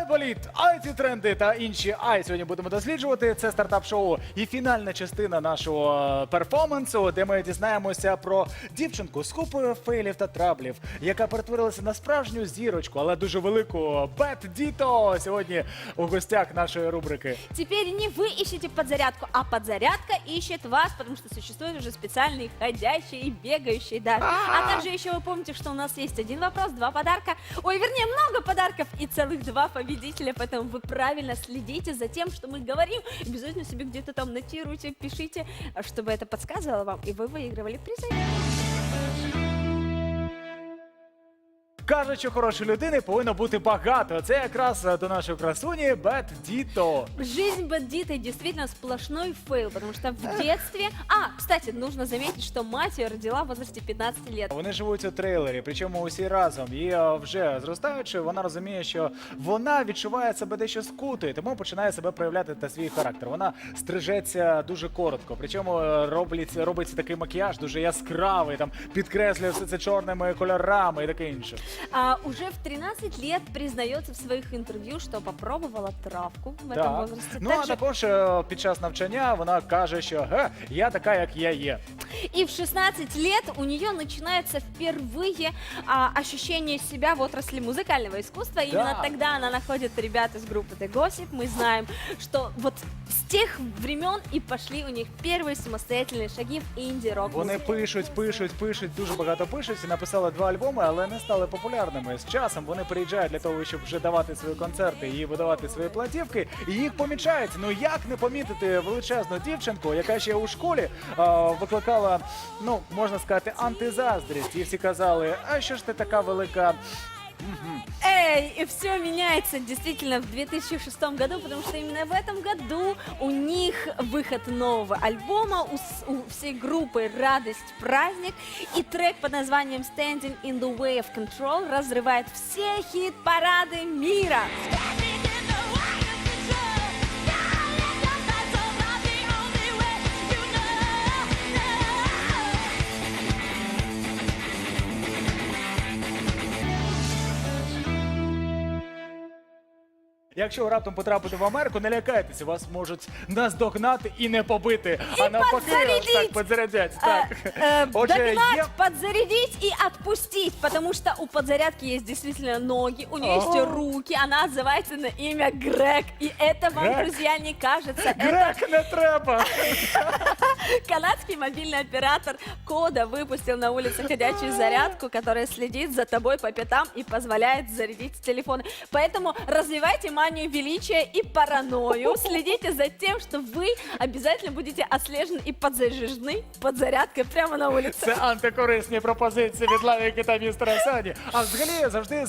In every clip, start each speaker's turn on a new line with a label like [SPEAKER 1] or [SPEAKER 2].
[SPEAKER 1] Айболіт, IT-тренди та інші сьогодні будемо досліджувати. Це стартап-шоу і фінальна частина нашого перформансу, де ми дізнаємося про дівчинку з купою фейлів та траблів, яка перетворилася на справжню зірочку, але дуже велику. Бет Діто сьогодні у гостях нашої рубрики.
[SPEAKER 2] Теперь не вы ищете подзарядку, а подзарядка ищет вас, потому что существуют уже специальные ходящие и бегающие даже. А также еще вы помните, что у нас есть один вопрос, два подарка. Ой, вернее, много подарков и целых два победителя, поэтому вы правильно следите за тем, что мы говорим. Обязательно себе где-то там нотируйте, пишите, чтобы это подсказывало вам, и вы выигрывали призы.
[SPEAKER 1] Кажуть, що хорошої людини повинно бути багато. Це якраз до нашої красуні Бет Діто.
[SPEAKER 2] Жизнь бандита действительно сплошной фейл, потому что в детстве... кстати, нужно заметить, что мать ее родила в возрасте 15 лет.
[SPEAKER 1] Вони живуть у трейлері, причому усі разом. І вже зростаючи, вона розуміє, що вона відчуває себе дещо скутою, тому починає себе проявляти та свій характер. Вона стрижеться дуже коротко, причому робиться такий макіяж дуже яскравий, там підкреслює все це чорними кольорами і таке інше.
[SPEAKER 2] Уже в 13 лет признается в своих интервью, что попробовала травку в этом возрасте.
[SPEAKER 1] Ну, а також під час навчання вона каже, що я така, як я є.
[SPEAKER 2] И в 16 лет у нее начинается впервые ощущение себя в отрасли музыкального искусства. Именно тогда она находит ребят из группы The Gossip. Мы знаем, что вот с тех времен и пошли у них первые самостоятельные шаги в інді-рок.
[SPEAKER 1] Вони пишуть, дуже багато пишуть і написали 2 альбоми, але не стали популярними. З часом вони приїжджають для того, щоб вже давати свої концерти і видавати свої платівки, і їх помічають. Ну як не помітити величезну дівчинку, яка ще у школі викликала, ну, можна сказати, антизаздрість. І всі казали, а що ж ти така велика...
[SPEAKER 2] И все меняется действительно в 2006 году, потому что именно в этом году у них выход нового альбома, у всей группы «Радость, праздник», и трек под названием «Standing in the Way of Control» разрывает все хит-парады мира.
[SPEAKER 1] Якщо ви раптом потрапите в Америку, не лякайтеся, вас можуть наздогнати і не побити, а навпаки, так підзарядять.
[SPEAKER 2] Догнать, подзарядить и отпустить, потому что у подзарядки есть действительно ноги, у нее есть руки, она отзывается на имя Грег, и это вам, друзья, не кажется.
[SPEAKER 1] Грег, не треба!
[SPEAKER 2] Канадский мобильный оператор Кода выпустил на улице ходячую зарядку, которая следит за тобой по пятам и позволяет зарядить телефоны. Поэтому развивайте манию величия и паранойю. Следите за тем, что вы обязательно будете отслежены и подзаряжены подзарядкой прямо на улице.
[SPEAKER 1] Це антикорисні пропозиції від Лавіки та містера Сані. А взагалі завжди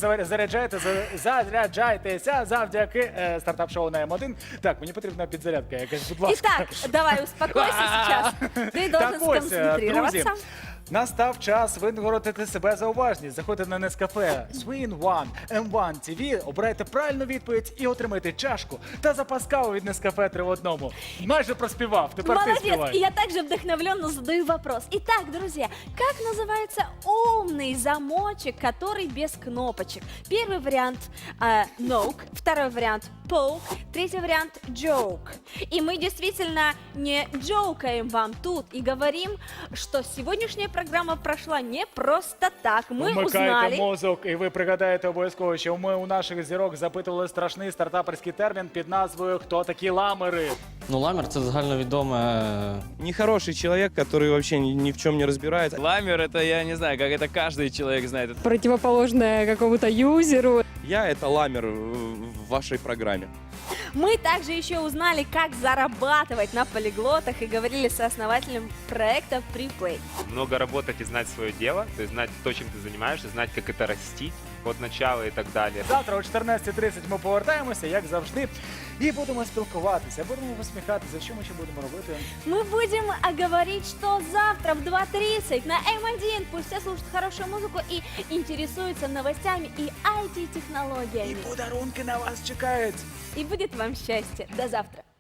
[SPEAKER 1] заряджайтеся завдяки стартап-шоу на М1. Так, мені потрібна підзарядка якась, будь ласка.
[SPEAKER 2] Итак, давай успокойся сейчас. Ты должен сконцентрироваться.
[SPEAKER 1] Друзі, настав час винагородити себе за уважність. Заходьте на Нескафе, Swin One, M1 TV, обирайте правильну відповідь і отримайте чашку та запас кави від Нескафе 3 в 1. Майже проспівав, тепер ти співай.
[SPEAKER 2] Молодец, и я также вдохновленно задаю вопрос. Итак, друзья, как называется умный замочек, который без кнопочек? Первый вариант Noke, второй вариант Poke, третий вариант Joke. И мы действительно не джоукаем вам тут и говорим, что сегодняшняя программа прошла не просто так. Мы
[SPEAKER 1] Вмикайте
[SPEAKER 2] узнали...
[SPEAKER 1] мозок, і ви пригадаєте обов'язково, що ми у наших зірок запитували страшний стартаперський термін під назвою «Хто такі ламери?».
[SPEAKER 3] Ну, ламер – це загальновідоме...
[SPEAKER 4] Нехороший человек, который вообще ни в чем не разбирается.
[SPEAKER 5] Ламер это, я не знаю, как это каждый человек знает.
[SPEAKER 6] Противоположное какому-то юзеру.
[SPEAKER 4] Я это ламер в вашей программе.
[SPEAKER 2] Мы также еще узнали, как зарабатывать на полиглотах и говорили с основателем проекта Preplay.
[SPEAKER 7] Много работать и знать свое дело, то есть знать то, чем ты занимаешься, знать, как это растить от начала и так далі.
[SPEAKER 1] Завтра о 14:30 ми повертаємося, як завжди, і будемо спілкуватися, будемо посміхатися. Що ми ще будемо робити?
[SPEAKER 2] Мы будем говорить, что завтра в 2:30 на М1 пусть все слушают хорошую музыку и интересуются новостями и IT-технологиями.
[SPEAKER 1] І подарунки на вас чекають.
[SPEAKER 2] И будет вам счастье. До завтра.